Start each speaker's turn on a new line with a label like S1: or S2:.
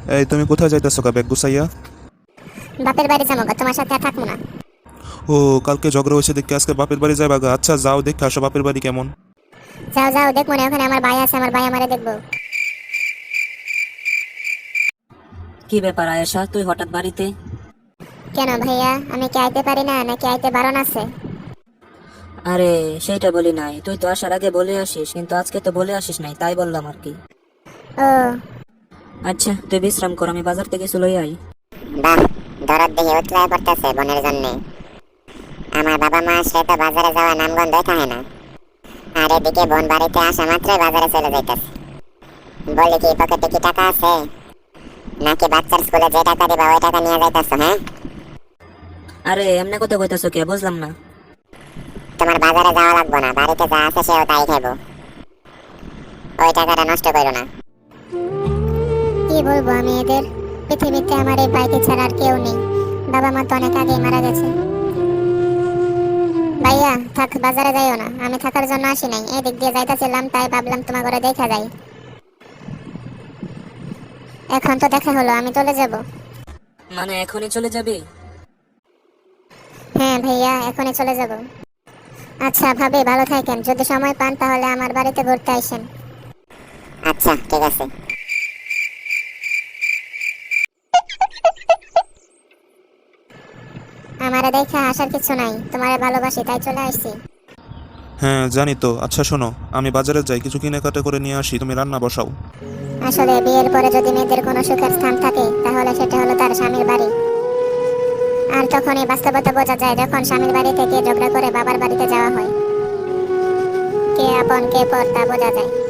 S1: এই তুমি কোথায় যাইতেছো কা ব্যাগ গুছাইয়া?
S2: বাপের বাড়ি যাবো গো, তোমার সাথে আর থাকবো না।
S1: ও, কালকে ঝগড়া হয়েছে দেখে আজকে বাপের বাড়ি যাইবা গা? আচ্ছা যাও দেখে আসো বাপের বাড়ি কেমন।
S2: যাও যাও, দেখবো না, ওখানে আমার ভাই আছে, আমার ভাই আমারে দেখবো।
S3: কি ব্যাপার আয়েশা, তুই হঠাৎ বাড়িতে?
S2: কেন ভাইয়া, আমি কি আইতে পারি না নাকি আইতে বারণ আছে?
S3: আরে সেইটা বলি নাই, তুই তো আসার আগে বলে আসিস, কিন্তু আজকে তো বলে আসিস নাই, তাই বললাম আর কি।
S2: ও
S3: আচ্ছা তুই বিশ্রাম কর, আমি বাজার থেকে চলে আই।
S4: বাহ, দরদ দেখে উতলায় পড়তেছে বোনের জন্যে। আমার বাবা মা সে তো বাজারে যাওয়া নামগন্ধই থাকে না, আর এদিকে বোন বাড়িতে আসা মাত্রই বাজারে চলে যাইতেছে। বলি কি পকেটে কি টাকা আছে, নাকি বাচ্চার স্কুলে যে টাকা দিবা ওই টাকা নিয়ে যাইতেছো? হ্যাঁ,
S3: আরে এমনি কথা কইতাছো কে, বুঝলাম না।
S4: তোমার বাজারে যাওয়া লাগবে না, বাড়িতে যা আছে সেও তাই খাইবো। ওই টাকাটা নষ্ট করো না।
S2: কি বলবো আমি এদের, পৃথিবীতে আমার এই ভাইকে ছাড়া আর কেউ নেই। বাবা মা তো অনেক আগেই মারা গেছে। ভাইয়া থাক, বাজারে যাইও না, আমি থাকার জন্য আসি নাই, এদিক দিয়ে যাইতাছিলাম তাই ভাবলাম তোমার ঘরে দেখা যায়। এখন তো দেখা হলো, আমি চলে যাব।
S3: মানে এখনই চলে যাবি?
S2: হ্যাঁ ভাইয়া, এখনই চলে যাব। আচ্ছা ভাবি, ভালো থাকেন, যদি সময় পান তাহলে আমার বাড়িতে ঘুরতে আইসেন।
S4: আচ্ছা ঠিক আছে।
S2: আমারে দেখা আসার কিছু নাই, তোমারে ভালোবাসি তাই চলে আসছি।
S1: হ্যাঁ জানি তো। আচ্ছা শোনো, আমি বাজারে যাই, কিছু কেনাকাটা করে নিয়ে আসি, তুমি রান্না বসাও।
S2: আসলে বিয়ের পরে যদি মেয়েদের কোনো সুখের স্থান থাকে তাহলে সেটা হলো তার স্বামীর বাড়ি। আর তখনই বাস্তবতা বোঝা যায় যখন স্বামীর বাড়ি থেকে ঝগড়া করে বাবার বাড়িতে যাওয়া হয়। কে আপন কে পর তা বোঝা যায়।